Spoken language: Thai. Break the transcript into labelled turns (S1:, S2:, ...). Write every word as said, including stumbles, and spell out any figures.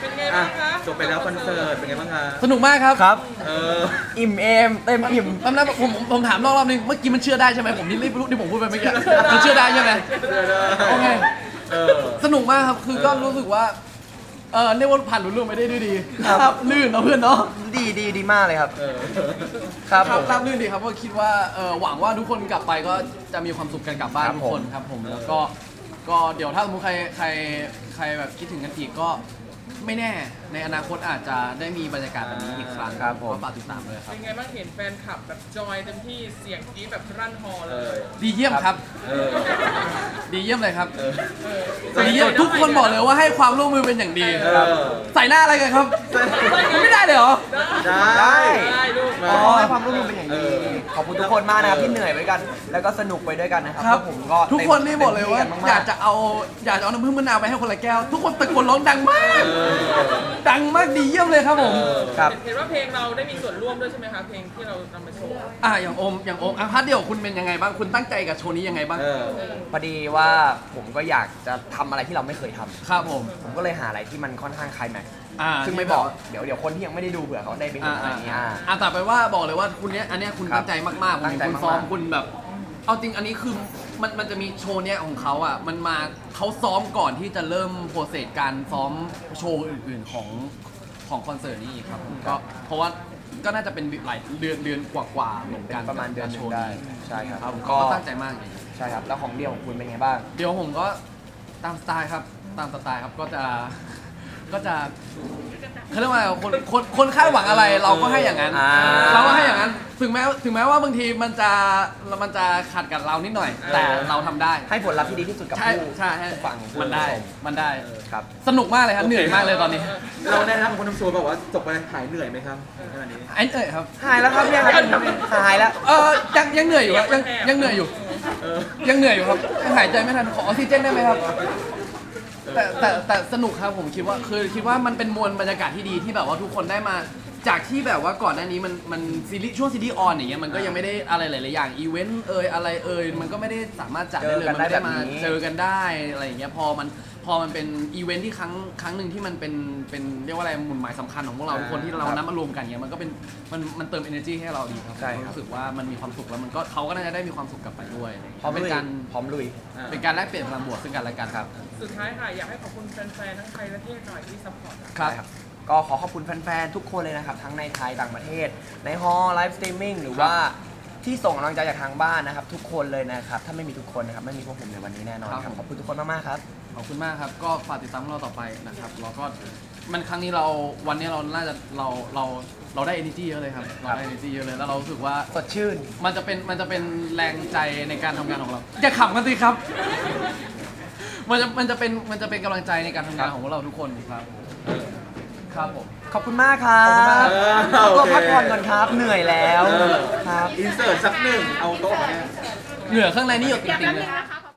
S1: เป็นไงบ้างคะ
S2: จบไปแล้วคอนเสิร์ตเป็นไงบ้างคะ
S3: สนุกมากครับ
S4: ครับ
S2: เออ
S4: อิ่มเอมเต็มอิ่ม
S3: ตอนนั้นผมผมผมถามรอบๆนึงเมื่อกี้มันเชื่อได้ใช่ไหมผมนี่รีบรู้ที่ผมพูดไปเมื่อกี้มันเชื่อได้ใช่ไหมโอเค
S2: เออ
S3: สนุกมากครับคือก็รู้สึกว่าเออเรียกว่าผ่านรุ่นรุ่นไปได้ด้วยดี
S4: ครับ
S3: ลื่นเนาะเพื่อนเนาะ
S4: ดีดีดีมากเลยครับ
S2: เออ
S4: ครับ
S3: ค
S4: ผ
S3: รับ
S4: ม
S3: ราบลื่นดีครับก็คิดว่าเออหวังว่าทุกคนกลับไปก็จะมีความสุขกันกลับบ้าน
S4: ครับ
S3: ทุกคนครับผมแล้วก็ก็เดี๋ยวถ้าสมมติใครใครใครแบบคิดถึงกันอีกก็ไม่แน่ในอนาคตอาจจะได้มีบรรยากาศแบบนี้อีกครั้ง
S4: ครับผม
S3: ก็ฝากติดตามเลยครับ
S1: เป็นไงบ้างเห็นแฟนคลับแบบจอยเต็มที่เสียงกรี๊ดแบบรั่นฮอเล
S2: เอย อ
S3: ดีเยี่ยมครับ
S2: เออ
S3: ดีเยี่ยมเลยครับ
S2: เออ
S1: เออ
S3: ดีเยี่ยมทุกคนบอกเลยว่าให้ความร่วมมือเป็นอย่างดี
S2: เออ
S3: ใส่หน้าอะไรกันครับไม่ได้เลยเหรอ
S2: ได้
S4: ได้
S1: ได้ลูก
S4: อ๋อให้ความร่วมมือเป็นอย่างดี
S2: เออ
S4: ขอบคุณทุกคนมากนะครับที่เหนื่อยไปด้วยกัน แล้วก็สนุกไปด้วยกันนะครับ
S3: ครับ
S4: พวกผมก็
S3: ทุกคนนี่บอกเลยว่า
S4: ต็มที่นม
S3: อยากจะเอาอยากจะเอาน้ำผึ้งมะนาวไปให้คนละแก้ว ทุกคนตะโกนร้องดังมาก
S2: เออ
S3: ดังมากดีเยี่ยมเลยครับผม
S2: เออ
S4: ครับ
S1: เห็นว่าเพลงเราได้มีส่วนร่วมด้วยใช่ไหมคะเพลงที่เรานำมาโชว์
S3: อ่ะอย่างโอมอย่างโอมอ่ะพาร์ทเดียวคุณเป็นยังไงบ้างคุณตั้งใจกับโชว์นี้ยังไงบ้าง
S2: เออ
S4: พอดีว่าผมก็อยากจะทำอะไรที่เราไม่เคยทำ
S3: ครับผม
S4: ผมก็เลยหาอะไรที่มันค่อนข้างคลายแม็กซ์
S3: อ่า
S4: ซึ่งไม่บอกเดี๋ยวเดี๋ยวคนที่ยังไม่ได้ดูเผื่อเขาได้ไปเห็
S3: อ่าน
S4: อะไร
S3: อ่า
S4: อย่างเงี้ย
S3: อ่า
S4: อ่า
S3: อ่ะแต่ไปว่าบอกเลยว่าคุณเนี้ยอันเนี้ยคุณ
S4: ครับ
S3: ตั้งใจมากๆผม
S4: ตั้ง
S3: เห็น
S4: ใจ
S3: คุณ
S4: มากๆ
S3: ซ้อมคุณแบบ เอาจริงอันนี้คือมันมันจะมีโชว์เนี้ยของเขาอ่ะมันมาเขาซ้อมก่อนที่จะเริ่มโปรเซสการซ้อมโชว์อื่นๆของของคอนเสิร์ตนี้อีกครับผมก็เพราะว่าก็น่าจะเป็นหลายเดือนเดือนกว่าๆเหมือนกัน
S4: ประมาณเดือนห
S3: โช
S4: นึ่ง
S3: ว์
S4: ได้
S3: นี้
S4: ใช่ครับ
S3: ครับผม
S4: ก็
S3: ก็ตั้งใจมากเลย
S4: ใช่ครับแล้วของเดียวของคุณเป็นไงบ้าง
S3: เดี๋ยวผมก็ตามสไตล์ครับตามสไตล์ครับก็จะก็จะเขาเรียกว่าคนคนคนคาดหวังอะไรเราก็ให้อย่างนั้น
S4: อ่า
S3: เราก็ให้อย่างนั้นถึงแม้ถึงแม้ว่าบางทีมันจะมันจะขัดกับเรานิดหน่อย แต่เราทำได้
S4: ให้ผลลัพธ์ที่ดีที่สุดกับ
S3: ใช่
S4: ผู้
S3: ใช่ใช่
S4: ผู้ฟัง
S3: มันได้
S4: ผู้ช
S3: มันได้
S4: ครับ
S3: สนุกมากเลยครับเหนื่อยมากเลยตอนนี้
S2: เราแนะนำคนทำโชว์แบบว่าจบไปหายเหนื่อยไหมครับขนาดนี้
S3: ไอ้เอ่ยครับ
S4: หายแล้วครับเนี่ยหายแล้ว
S3: เออยังยังเหนื่อยอยู่ครับยังยังเหนื่อยอยู่
S2: เออ
S3: ยังเหนื่อยอยู่ครับยังหายใจไม่ทันขอออกซิเจนได้ไหมครับ แต่แต่แต่สนุกครับผมคิดว่าคือคิดว่ามันเป็นมวลบรรยากาศที่ดีที่แบบว่าทุกคนได้มาจากที่แบบว่าก่อนหน้านี้มันมันซีรีส์ช่วงซีรีส์ออนอย่างเงี้ยมันก็ยังไม่ได้อะไรหลายๆอย่างอีเวนต์เอ่ยอะไรเอ่ยมันก็ไม่ได้สามารถจัดได้เลย
S4: เจอกัน
S3: มันไม่ได้
S4: ได้แบบ
S3: มา
S4: นี้
S3: เจอกันได้อะไรอย่างเงี้ยพอมันพอมันเป็นอีเวนต์ที่ครั้งครั้งหนึ่งที่มันเป็นเป็นเรียกว่าอะไรหมุนหมายสำคัญของพวกเราทุกคนที่เรานัดมารวมกันเงี้ยมันก็เป็นมันมันเติม energy ให้เราดีครับ
S4: ใช่ครับ
S3: รู้สึกว่ามันมีความสุขแล้วมันก็เขาก็น่าจะได้มีความสุขกลับไปด้วย
S4: พร้อม
S3: เป็น
S4: ลุย
S3: การ
S4: พร้อมลุย
S3: เป็นการแลกเปลี่ยนพลังบวกซึ่งกันและกันครับ
S1: สุดท้ายค่ะอยากให้ขอบคุณแฟนๆทั้งไทยและเทศหน่อยที่ซัพพอร์ต
S3: ครับ
S4: ใช่ครับก็ขอขอบคุณแฟนๆ ทุกคนเลยนะครับ ทั้งในไทยต่างประเทศ ในฮอลไลฟ์สตรีมมิ่งหรือว่าที่ส่งกำลังใจจากทางบ้านนะครับ ทุกคนเลยนะครับ ถ้าไม่มีทุกคนนะครับ ไม่มีพวกผมในวันนี้แน่นอนครับ ขอบคุณทุกคนมากๆครับ
S3: ขอบคุณมากครับ ก็ฝากติดตามพวกเราต่อไปนะครับแล้วก็มันครั้งนี้เราวันนี้เราน่าจะเราเราเราได้ energy เยอะเลยครับเราได้ energy เยอะเลยแล้วเรารู้สึกว่า
S4: สดชื่น
S3: มันจะเป็นมันจะเป็นแรงใจในการทำงานของเราอย่าขำกันสิครับ มันจะมันจะเป็นมันจะเป็นกำลังใจในการทำงานของพวกเราทุกคนครับครับผม
S4: ขอบคุณมากครับ
S3: ขอบคุณมาก
S4: ขอตัว
S2: โอเค
S4: พักผ่อนก่อนครับ เหนื่อยแล้ว
S2: เออ
S4: ครับ
S2: อินเสิร์ตสักหนึ่งเอาโต๊ะมาเนี่ย
S3: เหงื่อข้างในนี่หยด
S5: เดี๋ยว
S3: ติ่
S5: แป๊
S3: งๆเลย
S5: บนึงนะคะ